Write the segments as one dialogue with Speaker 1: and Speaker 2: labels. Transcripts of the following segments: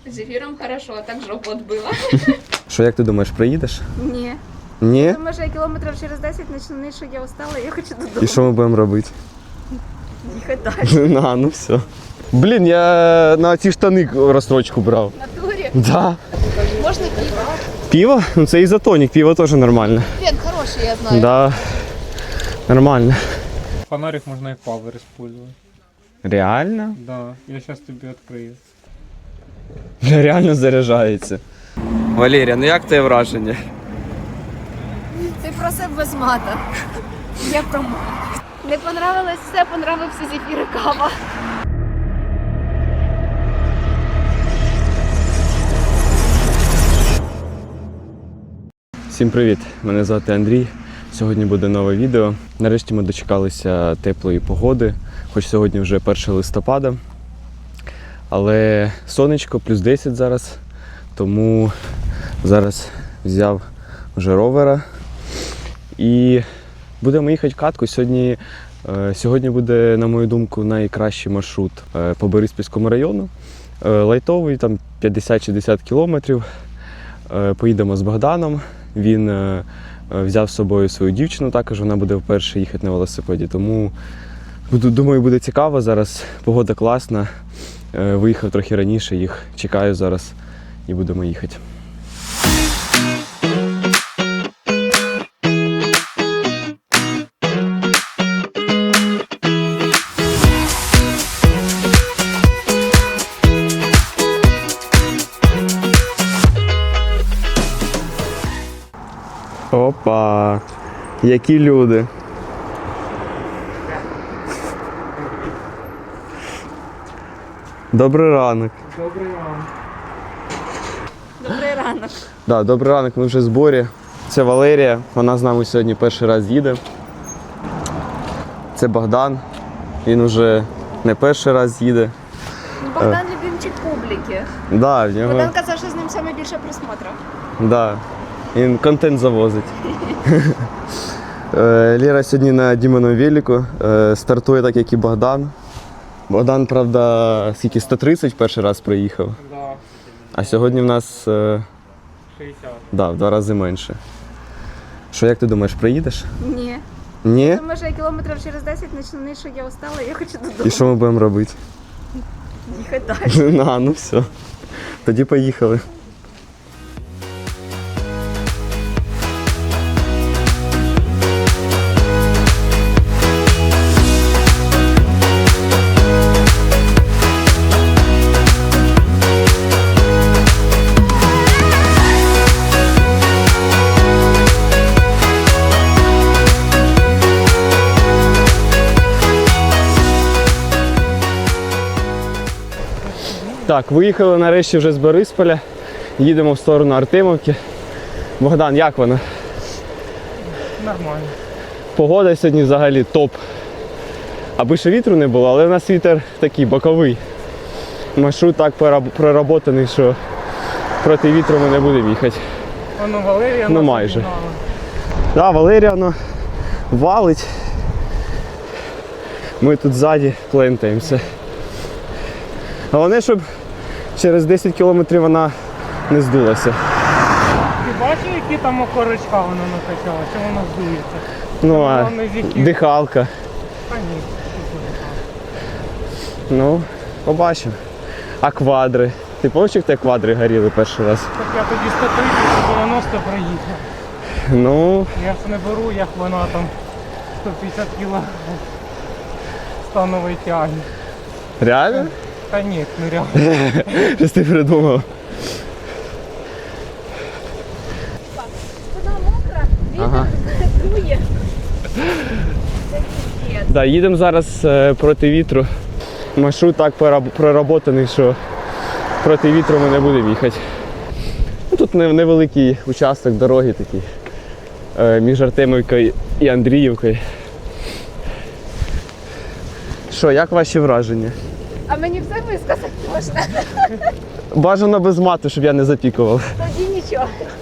Speaker 1: З ефіром хорошо, а так жопу отбила.
Speaker 2: Що, як ти думаєш, приїдеш?
Speaker 1: Ні.
Speaker 2: Ні?
Speaker 1: Тому що я кілометрів через 10 почну, що я устала, я хочу додому.
Speaker 2: І що ми будемо робити?
Speaker 1: Їхати далі.
Speaker 2: Ну все. Блін, я на ці штани розстрочку брав.
Speaker 1: На турі?
Speaker 2: Да.
Speaker 1: Можна пиво?
Speaker 2: Пиво? Ну це ізотонік, пиво теж нормально.
Speaker 1: Вен хороший, я знаю.
Speaker 2: Да. Нормально.
Speaker 3: Фонарик можно и пауэр использовать.
Speaker 2: Реально?
Speaker 3: Да, я сейчас тебе открою.
Speaker 2: Реально заряджається. Валерія, ну як твоє враження?
Speaker 1: Ти просив без мата. Я про мат. Не понравилось все, понравився зефір і кава.
Speaker 2: Всім привіт! Мене звати Андрій. Сьогодні буде нове відео. Нарешті ми дочекалися теплої погоди, хоч сьогодні вже 1 листопада. Але сонечко, плюс 10 зараз, тому зараз взяв вже ровера і будемо їхати в катку. Сьогодні буде, на мою думку, найкращий маршрут по Бориспільському району. Лайтовий, там 50-60 кілометрів. Поїдемо з Богданом. Він взяв з собою свою дівчину, також вона буде вперше їхати на велосипеді. Тому, думаю, буде цікаво. Зараз погода класна. Виїхав трохи раніше, їх чекаю зараз і будемо їхати. Опа! Які люди! Добрий ранок!
Speaker 3: Добрый вам.
Speaker 1: Добрий ранок.
Speaker 2: Да, добрий ранок, ми вже в зборі. Це Валерія, вона з нами сьогодні перший раз їде. Це Богдан, він вже не перший раз їде.
Speaker 1: Богдан любимчик публіки.
Speaker 2: Да, в нього...
Speaker 1: Богдан казав, що з ним саме більше просмотрів.
Speaker 2: Да, він контент завозить. Лера сьогодні на Дімоному велику, стартує так, як і Богдан. Богдан, правда, скільки, 130 перший раз приїхав,
Speaker 3: Да,
Speaker 2: а сьогодні в нас
Speaker 3: 60.
Speaker 2: да, в 2 рази менше. Що, як ти думаєш, приїдеш?
Speaker 1: Ні.
Speaker 2: Ні?
Speaker 1: Тому що я кілометрів через 10 почну, що я устала, я хочу додому.
Speaker 2: І що ми будемо робити?
Speaker 1: Їхати далі.
Speaker 2: Ну все. Тоді поїхали. Так, виїхали нарешті вже з Борисполя. Їдемо в сторону Артемівки. Богдан, як воно?
Speaker 3: Нормально.
Speaker 2: Погода сьогодні взагалі топ. Аби ще вітру не було, але в нас вітер такий боковий. Маршрут так проработаний, що проти вітру ми не будемо їхати.
Speaker 3: Воно Валерія.
Speaker 2: Ну,
Speaker 3: нас
Speaker 2: майже.
Speaker 3: обігнала.
Speaker 2: Так, Валерія воно валить. Ми тут ззаді плентаємося. Головне, щоб через 10 кілометрів вона не здулася.
Speaker 3: Ти бачив, які там окорочка вона накачала? Чи вона здується?
Speaker 2: Ну, а
Speaker 3: Головне, з яких?
Speaker 2: дихалка.
Speaker 3: А ні.
Speaker 2: Ну, побачимо. А квадри? Ти пам'ятаєш, як тебе квадри горіли перший раз?
Speaker 3: Так я тоді 130-90 проїхав.
Speaker 2: Ну,
Speaker 3: Я ж не беру, як вона там 150 кг станової тяги.
Speaker 2: реально?
Speaker 3: Та ні, не реально.
Speaker 2: Щось ти придумав.
Speaker 1: Вона мокра, вітер
Speaker 2: Ага.
Speaker 1: дує.
Speaker 2: Да, їдемо зараз проти вітру. Маршрут так проработаний, що проти вітру ми не будемо їхати. Ну, тут невеликий участок дороги такий між Артемівкою і Андріївкою. Що, як ваші враження?
Speaker 1: А мені все висказати можна?
Speaker 2: Бажано без мату, щоб я не запікував.
Speaker 1: Тоді нічого.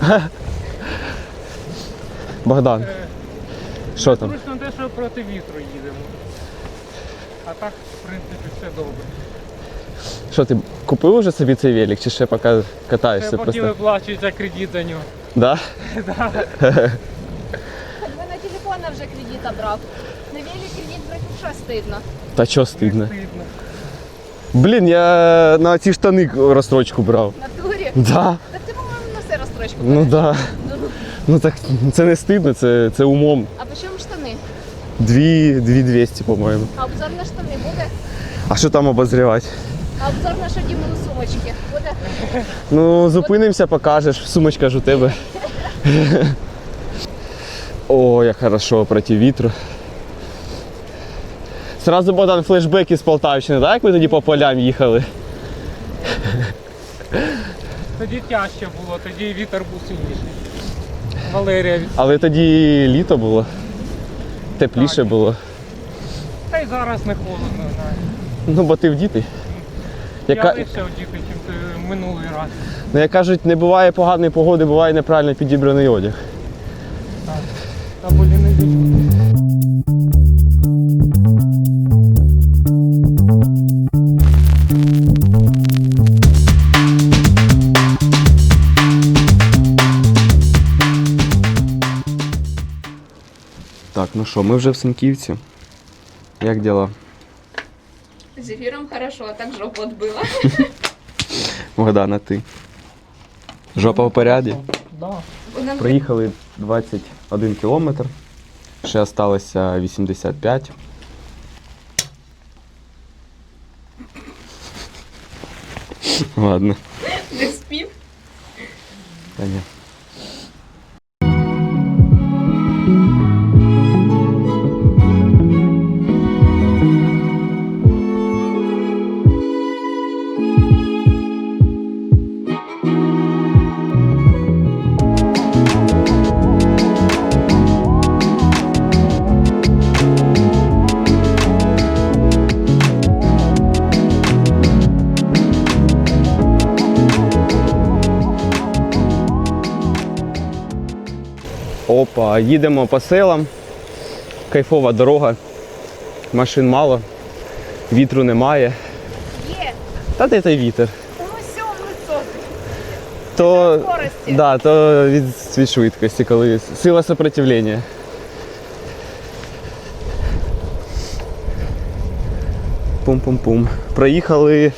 Speaker 2: Богдан, що там?
Speaker 3: Зручно те, що проти вітру їдемо. А так, в принципі, все добре.
Speaker 2: Що, ти купив уже собі цей велик, чи ще поки катаєшся
Speaker 3: Це поки
Speaker 2: просто?
Speaker 3: виплачується кредит за нього.
Speaker 2: Да?
Speaker 3: Да.
Speaker 1: Так би на телефона вже кредита брав. На велик кредит брати вже стидно.
Speaker 2: Та чого стидно?
Speaker 3: Стидно.
Speaker 2: Блін, я на ці штани розстрочку брав.
Speaker 1: На турі?
Speaker 2: Да.
Speaker 1: Так ти, по-моєму, на все розстрочку
Speaker 2: Ну
Speaker 1: береш.
Speaker 2: да. Ну так це не стидно, це умом.
Speaker 1: А по чому штани?
Speaker 2: 2200, по-моєму.
Speaker 1: А обзор на штани буде?
Speaker 2: А що там обозрівати?
Speaker 1: А обзор на шадімові сумочки буде?
Speaker 2: Ну, зупинимося, покажеш. Сумочка ж у тебе. О, як хорошо проти вітру. Сразу, Богдан, флешбеки з Полтавщини, так? Як ви тоді по полям їхали?
Speaker 3: Тоді тяжче було, тоді вітер був сильніший. Валерія від...
Speaker 2: Але тоді літо було. Тепліше
Speaker 3: Так.
Speaker 2: було.
Speaker 3: Та й зараз не холодно, знаєш.
Speaker 2: Ну, бо ти в діти.
Speaker 3: Я
Speaker 2: Яка...
Speaker 3: лише одіти, чим минулий раз.
Speaker 2: Ну, як кажуть, не буває поганої погоди, буває неправильно підібраний одяг.
Speaker 3: Так. Та болі не вічно.
Speaker 2: Так, ну що, ми вже в Синьківці. Як діла?
Speaker 1: З ефіром хорошо, а так жопу відбила.
Speaker 2: Богдана, ти? Жопа в поряді?
Speaker 3: Да.
Speaker 2: Проїхали 21 кілометр. Ще залишилося 85. Ладно.
Speaker 1: Не спів.
Speaker 2: Та ні. Опа, їдемо по селам. Кайфова дорога. Машин мало. Вітру немає.
Speaker 1: Є.
Speaker 2: Та де той вітер?
Speaker 1: Ну все, високий.
Speaker 2: То,
Speaker 1: Скорості.
Speaker 2: да, то від швидкості, коли сила сопротивлення. Пум-пум-пум. Проїхали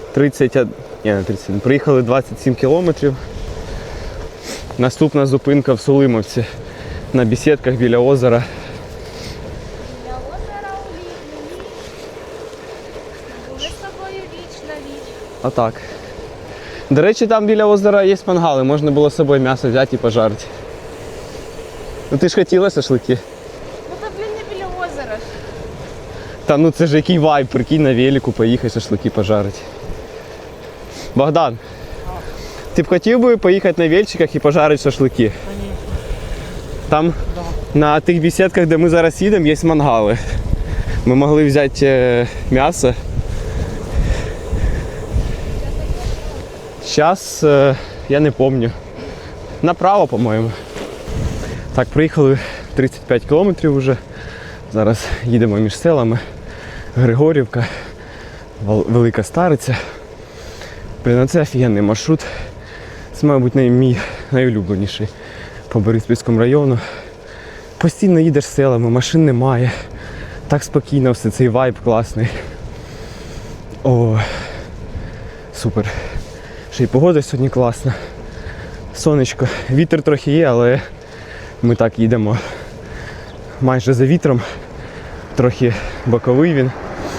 Speaker 2: 27 кілометрів. Наступна зупинка в Сулимовці. На бесідках біля озера.
Speaker 1: Для озера у літню ніч. Були з тобою віч на віч.
Speaker 2: Отак. До речі, там біля озера є мангали, можна було з собою м'ясо взяти і пожарити. Ну ти ж хотіла шашлики?
Speaker 1: Ну то, блін, не біля озера ж.
Speaker 2: Та ну це ж який вайб, прикинь, на велику поїхати шашлики пожарити. Богдан, ти б хотів би поїхати на вельчиках і пожарити шашлики? Там на тих бесідках, де ми зараз їдемо, є мангали. Ми могли взяти м'ясо. Зараз я не пам'ятаю. Направо, по-моєму. Так, приїхали 35 кілометрів вже. Зараз їдемо між селами. Григорівка, Велика Стариця. Блін, це офігенний маршрут. Це, мабуть, мій найулюбленіший по Бориспільському району. Постійно їдеш селами, машин немає. Так спокійно все, цей вайб класний. О, супер. Ще й погода сьогодні класна. Сонечко. Вітер трохи є, але ми так їдемо майже за вітром. Трохи боковий він.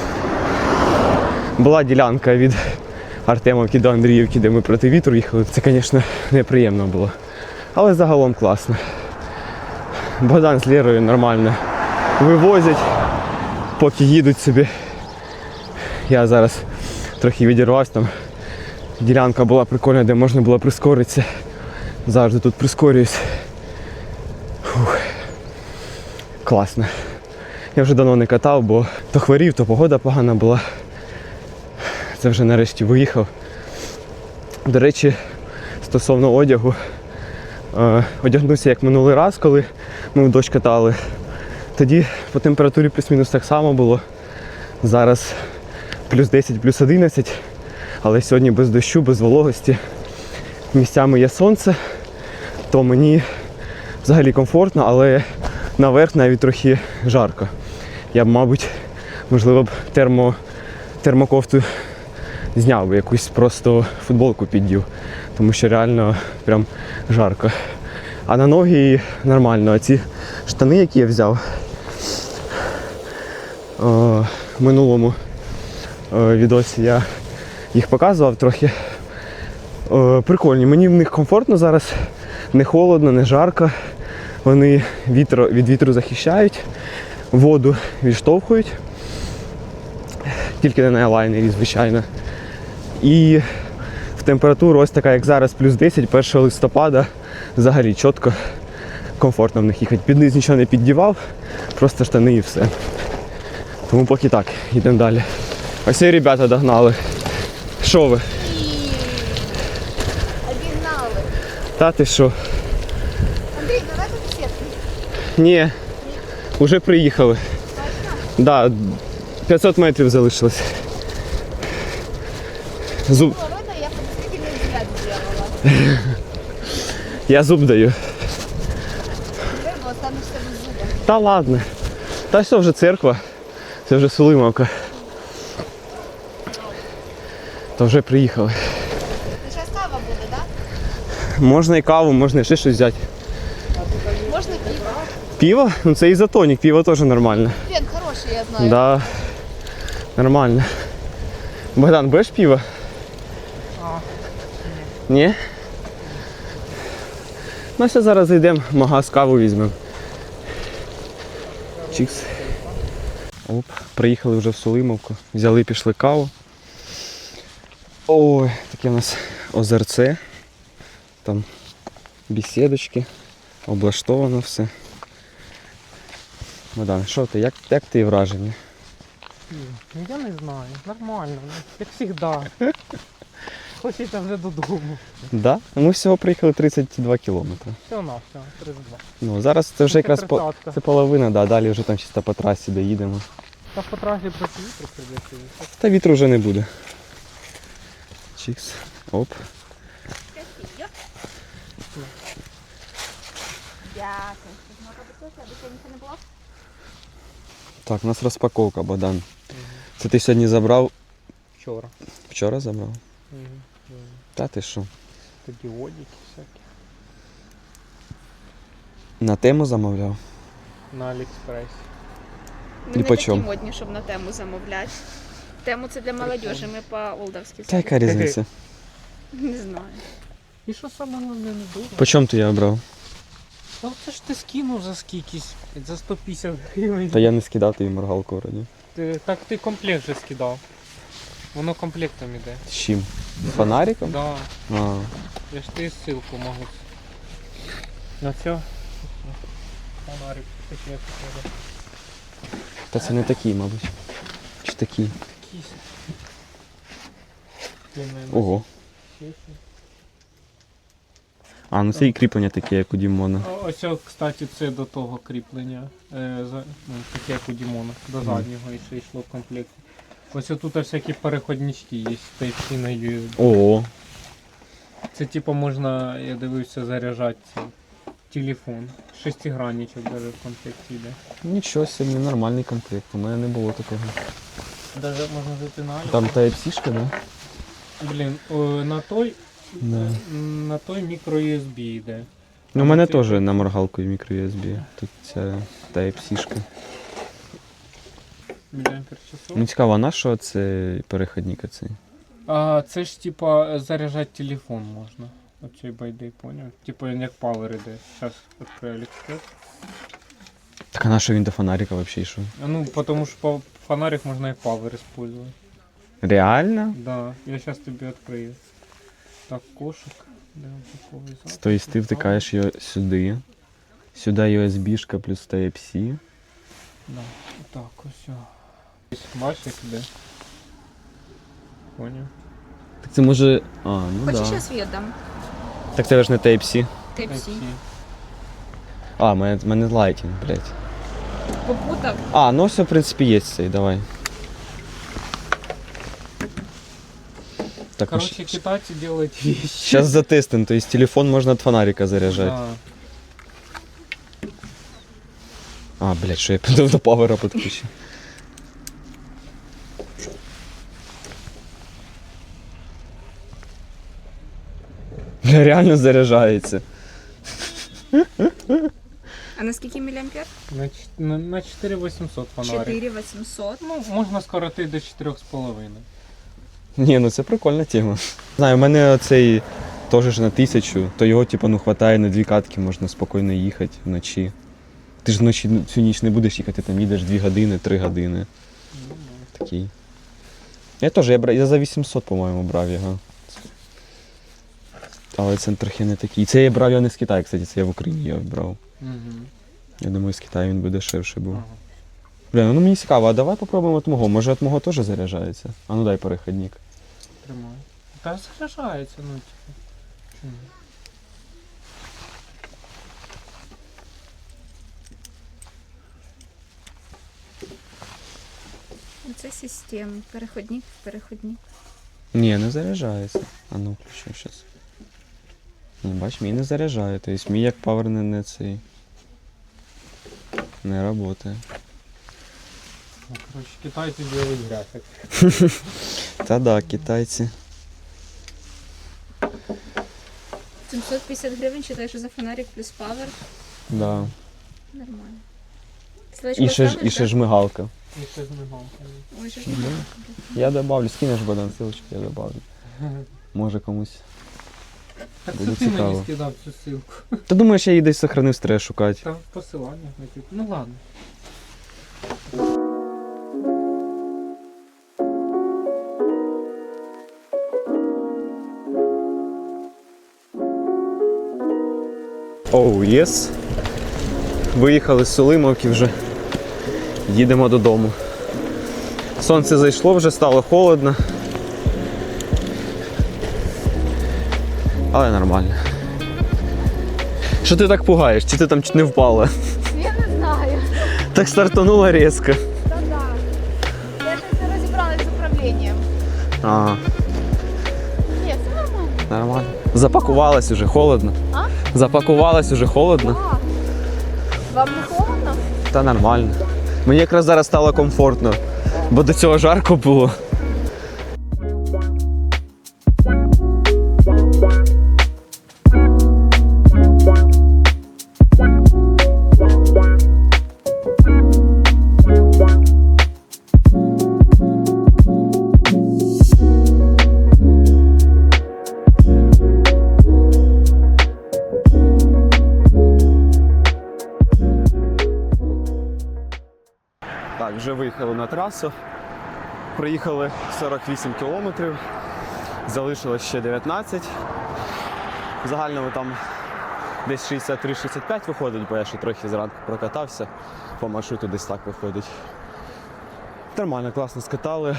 Speaker 2: Була ділянка від Артемовки до Андріївки, де ми проти вітру їхали. Це, звісно, неприємно було. Але загалом класно. Богдан з Лєрою нормально вивозять, поки їдуть собі. Я зараз трохи відірвався, там ділянка була прикольна, де можна було прискоритися. Завжди тут прискорююсь. Фух. Класно. Я вже давно не катав, бо то хворів, то погода погана була. Це вже нарешті виїхав. До речі, стосовно одягу, одягнувся як минулий раз, коли ми в дощ катали. Тоді по температурі плюс-мінус так само було. Зараз плюс 10, плюс 11. Але сьогодні без дощу, без вологості. Місцями є сонце, то мені взагалі комфортно, але наверх навіть трохи жарко. Я б, мабуть, можливо б термокофту зняв би, якусь просто футболку піддів, тому що реально прям жарко. А на ноги нормально. А ці штани, які я взяв в минулому відосі, я їх показував трохи. Прикольні. Мені в них комфортно зараз, не холодно, не жарко. Вони від вітру захищають, воду відштовхують. Тільки не на елайнері, звичайно. І в температуру ось така, як зараз, плюс 10, 1 листопада, взагалі чітко, комфортно в них їхати. Під низ нічого не піддівав, просто штани і все. Тому поки так, йдемо далі. Ось і ребята догнали. Що ви?
Speaker 1: Обігнали.
Speaker 2: Та ти що?
Speaker 1: Андрій, давай тут сітку.
Speaker 2: Ні, вже приїхали. Да, 500 метрів залишилось. Зуб.
Speaker 1: Было видно, я подозрительный взгляд сделала.
Speaker 2: Я зуб даю.
Speaker 1: Рыбу останешься без зуба.
Speaker 2: Та ладно. Та все вже церква. Це вже Сулимовка. То вже приїхали.
Speaker 1: Ти зараз кава буде, так?
Speaker 2: Можна і каву, можна і ще щось взяти.
Speaker 1: Можна пиво.
Speaker 2: Пиво? Ну це ізотонік, пиво теж нормально.
Speaker 1: Фен хороший, я знаю.
Speaker 2: Да. Нормально. Богдан, будеш пиво? Ні? Ну все, зараз зайдемо, в магаз каву візьмемо. Чікс. Оп, приїхали вже в Сулимовку. Взяли, пішли каву. Ой, таке у нас озерце. Там бесідочки. Облаштовано все. Богдан, що ти? Як ти враження?
Speaker 3: Ну я не знаю, нормально, як завжди. Хочеться вже додому.
Speaker 2: Да? Ми всього приїхали 32 кілометри.
Speaker 3: Все на все, 32.
Speaker 2: Ну, зараз це вже якраз
Speaker 3: Тридцятка.
Speaker 2: це половина, да, далі вже там чисто по трасі доїдемо.
Speaker 3: Та по трасі проти вітру прийдеться.
Speaker 2: Та вітру вже не буде. Чікс. Оп.
Speaker 1: Дякую. Можна попросити, аби сьогодні не було?
Speaker 2: Так, у нас розпаковка, Богдан. Це ти сьогодні забрав?
Speaker 3: Вчора.
Speaker 2: Вчора забрав? Та ти що?
Speaker 3: Тоді одіки всякі.
Speaker 2: На тему замовляв?
Speaker 3: На Аліекспресі.
Speaker 1: Ми
Speaker 2: І
Speaker 1: не
Speaker 2: по
Speaker 1: такі
Speaker 2: чому?
Speaker 1: модні, щоб на тему замовляти. Тему це для молодежі, ми по-олдовськи.
Speaker 2: Та яка різниця?
Speaker 1: Не знаю.
Speaker 3: І що саме головне не дуже?
Speaker 2: По чому ти я обрав?
Speaker 3: Ну це ж ти скинув за скількись, за 150 гривень.
Speaker 2: Та я не скидав тобі моргалку вроді.
Speaker 3: Так ти комплект вже скидав. Воно комплектом іде.
Speaker 2: З чим? З фонариком?
Speaker 3: Да.
Speaker 2: А,
Speaker 3: Я ж тобі ссылку можу. На все. Фонарик таке покажу.
Speaker 2: та це не такий, мабуть. Чи такий?
Speaker 3: Якийсь. Ти мене
Speaker 2: Ого.
Speaker 3: носиш?
Speaker 2: А, ну це і кріплення таке, як у Дімона.
Speaker 3: Ось, кстати, це до того кріплення. Таке як у Дімона. До заднього і ще йшло в комплекті. Ось тут всякі переходнички є, Type-C на USB.
Speaker 2: Ого.
Speaker 3: Це типу можна, я дивився, заряджати цей телефон. Шестигранничок навіть в комплекті йде.
Speaker 2: Нічого собі, нормальний комплект. У мене не було такого.
Speaker 3: Даже можна зайти на Алік.
Speaker 2: Там Type-C-шка, да?
Speaker 3: Блін,
Speaker 2: Да.
Speaker 3: на той мікро-USB йде.
Speaker 2: Ну, у мене теж на моргалку мікро-USB. Тут ця Type-C-шка.
Speaker 3: Міліампер-часов.
Speaker 2: Ну цікаво, а на що це переходник оцей?
Speaker 3: А це ж типа заряджати телефон можна. Оцей байди, поняв? Типа як Power іде. Зараз відкрию AliExpress.
Speaker 2: Так а на що він до фонарика взагалі йшов?
Speaker 3: Ну, потому що фонарик можна і Power использовать.
Speaker 2: Реально?
Speaker 3: Да, я сейчас тебе открою. Так, кошик. Де упаковує запис?
Speaker 2: Тобто ти втикаєш його сюди. Сюди USB-шка плюс Type-C.
Speaker 3: Да, так, ось. Бачиш, як іде? Поняв?
Speaker 2: Так це може. А, ну
Speaker 1: Хочеш,
Speaker 2: да.
Speaker 1: я світ дам?
Speaker 2: Так це ж не Type-C.
Speaker 1: Type-C.
Speaker 2: А, мене Lightning, блядь.
Speaker 1: Попутав.
Speaker 2: А, ну все, в принципі, є цей, давай. Так,
Speaker 3: Короче, китайцы делают вещи.
Speaker 2: сейчас затестим, то есть телефон можно от фонарика заряжать.
Speaker 3: Да.
Speaker 2: А, блядь, що я до павера підключив. Бля, реально заряджається.
Speaker 1: А на скільки міліампер?
Speaker 3: На 4800 фонарик.
Speaker 1: 4800.
Speaker 3: Ну, можна скоротити до 4,5.
Speaker 2: Ні, ну це прикольна тема. Знаю, у мене оцей теж ж на 1000, то його типу, ну, хватає на 2 катки, можна спокійно їхати вночі. Ти ж вночі всю ніч не будеш їхати, там їдеш 2 години, 3 години. Такий. Я теж, я за 800, по-моєму, брав його. Але це трохи не такий. Це я брав я не з Китаю, кстати, це я в Україні його брав.
Speaker 3: Угу.
Speaker 2: Я думаю, з Китаю він би дешевше був.
Speaker 3: Ага.
Speaker 2: Бля, ну мені цікаво, а давай попробуємо от мого. Може от мого теж заряджається? А ну дай переходник.
Speaker 3: Тримаю. Та заряджається, ну типу. Чому?
Speaker 1: Це система. Переходник.
Speaker 2: Ні, не заряджається. А ну включу зараз. Ну, бач, мій не заряджає. Тобто мій як павер не цей. Не працює.
Speaker 3: Ну, короче, китайцы делают график.
Speaker 2: Та да, китайці.
Speaker 1: 750 гривень, читаєш за фонарик плюс павер.
Speaker 2: Да.
Speaker 1: Нормально. Ссылочку
Speaker 2: І ще
Speaker 1: оставиш,
Speaker 2: ж мигалка.
Speaker 3: И ще з мигалками.
Speaker 1: да? Ой, що ж не так.
Speaker 2: Я добавлю, скинеш Богдан ссылочку, я добавлю. Може комусь.
Speaker 3: Так
Speaker 2: Буде
Speaker 3: це ти мені
Speaker 2: цікаво.
Speaker 3: скидав цю ссылку.
Speaker 2: Ти думаєш, я її десь сохранив, треба шукати.
Speaker 3: Там посилання. Ну ладно.
Speaker 2: Оу, єс. Виїхали з Сулимовки вже. Їдемо додому. Сонце зайшло, вже стало холодно. Але нормально. Що ти так пугаєш? Чи ти там чуть не впала?
Speaker 1: Я не знаю.
Speaker 2: Так стартанула різко.
Speaker 1: Та-да. Я ще не розібралась з управлінням.
Speaker 2: Ага,
Speaker 1: Ні, це нормально.
Speaker 2: нормально. Запакувалась уже, холодно.
Speaker 1: А?
Speaker 2: Запакувалась уже, холодно.
Speaker 1: Так. Вам не холодно?
Speaker 2: Та нормально. Мені якраз зараз стало комфортно, бо до цього жарко було. Так, вже виїхали на трасу. Проїхали 48 кілометрів, залишилось ще 19. В загальному там десь 63-65 виходить, бо я ще трохи зранку прокатався. По маршруту десь так виходить. Нормально, класно скатали.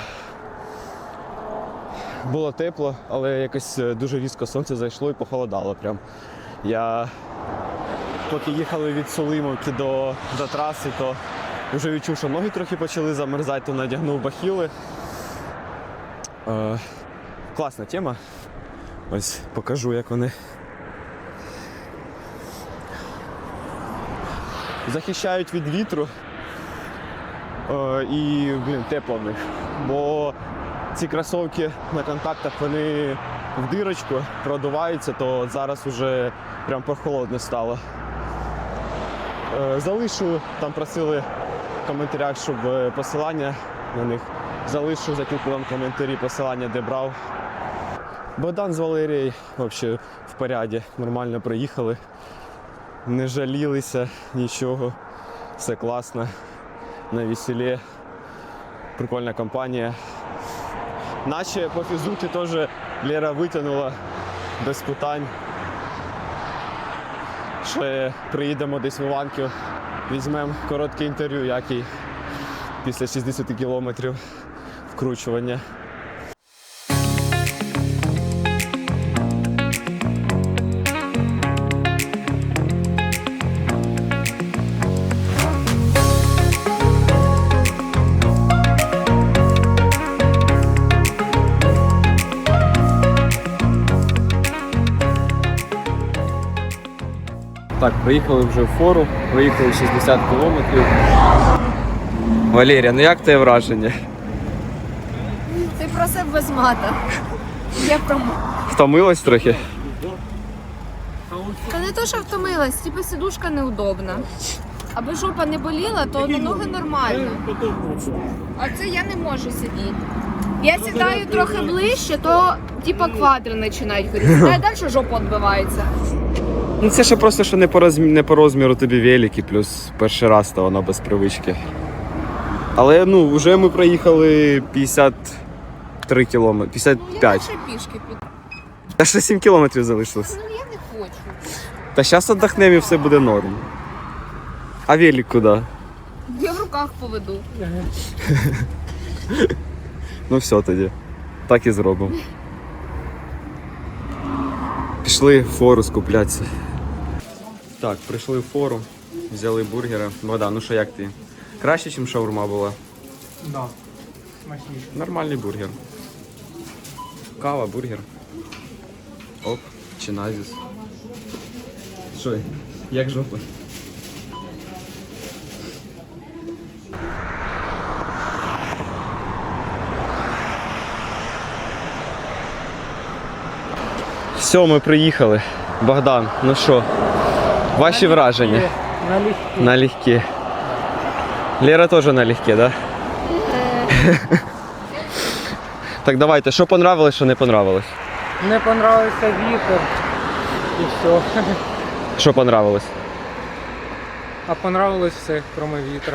Speaker 2: Було тепло, але якось дуже різко сонце зайшло і похолодало прям. Я поки їхали від Сулимовки до траси, то вже відчув, що ноги трохи почали замерзати, то надягнув бахіли. Класна тема. Ось покажу, як вони. Захищають від вітру і, тепло в них. Бо ці кросівки на контактах, вони в дирочку продуваються, то зараз вже прям прохолодно стало. Залишу, там просили в коментарях, щоб посилання на них. Залишу, закріплю вам коментарі посилання, де брав. Богдан з Валерією взагалі в поряді, нормально приїхали. Не жалілися нічого, все класно, на веселі, прикольна компанія. Наче по фізуті теж Лера витягнула без питань. Ще приїдемо десь в Іванків, візьмемо коротке інтерв'ю, як і після 60 кілометрів вкручування. Так, приїхали вже в фору, проїхали 60 кілометрів. Валерія, ну як твоє враження?
Speaker 1: Ти просив без мата. Я промовила.
Speaker 2: Втомилась трохи?
Speaker 1: Та не то, що втомилась, типу сидушка неудобна. Аби жопа не боліла, то до ноги нормально. А це я не можу сидіти. Я сідаю трохи ближче, то типа квадри починають горіти. Та й далі жопа відбивається.
Speaker 2: Ну це ще просто, що не по розміру тобі велики, плюс перший раз, то воно без привички. Але ну, вже ми проїхали 53 кілометри,
Speaker 1: Ну, я
Speaker 2: 55.
Speaker 1: лише пішки піду.
Speaker 2: Та ще 7 кілометрів залишилось.
Speaker 1: Ну я не хочу.
Speaker 2: Та зараз віддохнемо і все буде норм. А велик куди?
Speaker 1: Я в руках поведу.
Speaker 2: Ну все тоді. Так і зробимо. Пішли в фору скуплятися. Так, прийшли в фору, взяли бургери. Богдан, ну що, як ти? Краще, ніж шаурма була?
Speaker 3: Да. Смачніше.
Speaker 2: Нормальний бургер. Кава, бургер. Оп, чиназіс. Що, як жопа? Все, ми приїхали. Богдан, ну що, ваші враження?
Speaker 3: Налегке.
Speaker 2: Налегке. Лера теж налегке, да? Так, давайте, що понравилось, що не понравилось?
Speaker 3: Не понравився вітер і все.
Speaker 2: Що понравилось?
Speaker 3: А понравилось все, кроме вітра.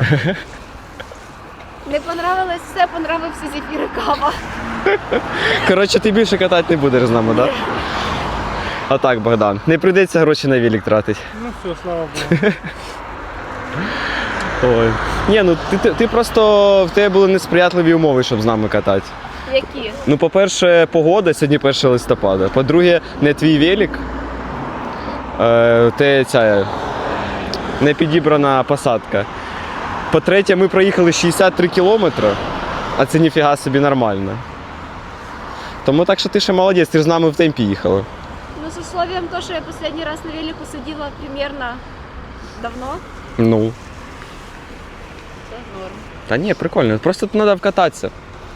Speaker 1: Не понравилось все, понравився зефір і кава.
Speaker 2: Коротше, ти більше катати не будеш з нами, так? Да? А так, Богдан, не прийдеться гроші на велик тратити.
Speaker 3: Ну все, слава Богу.
Speaker 2: Ой. Ні, ну ти просто в тебе були несприятливі умови, щоб з нами катати.
Speaker 1: Які?
Speaker 2: Ну, по-перше, погода, сьогодні 1 листопада. По-друге, не твій велик. Те ця не підібрана посадка. По-третє, ми проїхали 63 кілометри, а це ніфіга собі нормально. Тому так що ти ще молодець, ти ж з нами в темпі їхала.
Speaker 1: Ну, з условием то, що я останній раз на велику сиділа примерно давно,
Speaker 2: Ну.
Speaker 1: це норм.
Speaker 2: Та ні, прикольно, просто тут треба вкататися.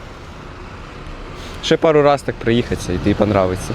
Speaker 2: Ще пару раз так приїхатися і тобі понравиться.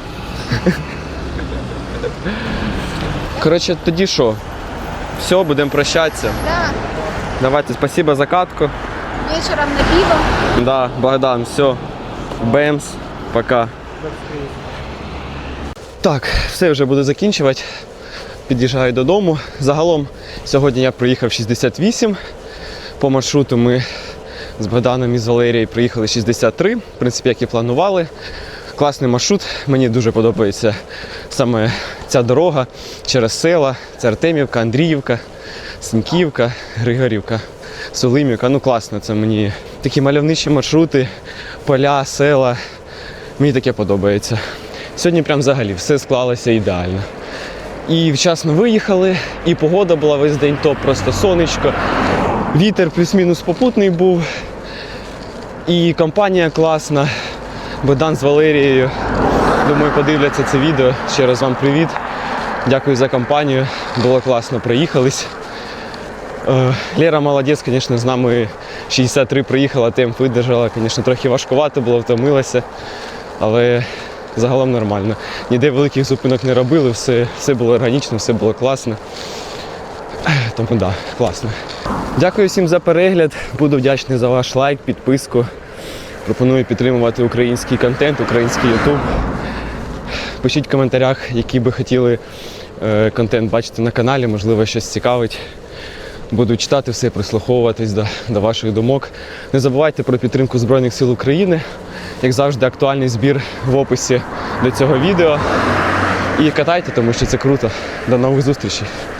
Speaker 2: Коротше, тоді що? Все, будемо прощатися.
Speaker 1: Да,
Speaker 2: Давайте, спасибо за катку.
Speaker 1: вечором на пиво.
Speaker 2: Да, Богдан, все. Бемс, пока.
Speaker 3: До встречи.
Speaker 2: Так, все, вже буду закінчувати. Під'їжджаю додому. Загалом сьогодні я проїхав 68. По маршруту ми з Богданом і з Валерією приїхали 63, в принципі, як і планували. Класний маршрут, мені дуже подобається саме ця дорога через села. Це Артемівка, Андріївка, Синьківка, Григорівка, Сулимівка. Ну класно, це мені такі мальовничі маршрути, поля, села. Мені таке подобається. Сьогодні прям взагалі все склалося ідеально. І вчасно виїхали, і погода була весь день топ, просто сонечко. Вітер плюс-мінус попутний був. І компанія класна. Богдан з Валерією. Думаю, подивляться це відео. Ще раз вам привіт. Дякую за компанію. Було класно, проїхались. Лера молодець, звісно, з нами 63 приїхала, темп видержала. Звісно, трохи важкувато було, втомилася. Але загалом нормально. Ніде великих зупинок не робили, все було органічно, все було класно. Тому так, да, класно. Дякую всім за перегляд. Буду вдячний за ваш лайк, підписку. Пропоную підтримувати український контент, український YouTube. Пишіть в коментарях, який би хотіли контент бачити на каналі, можливо, щось цікавить. Буду читати все, прислуховуватись до ваших думок. Не забувайте про підтримку Збройних сил України. Як завжди, актуальний збір в описі до цього відео. І катайте, тому що це круто. До нових зустрічей!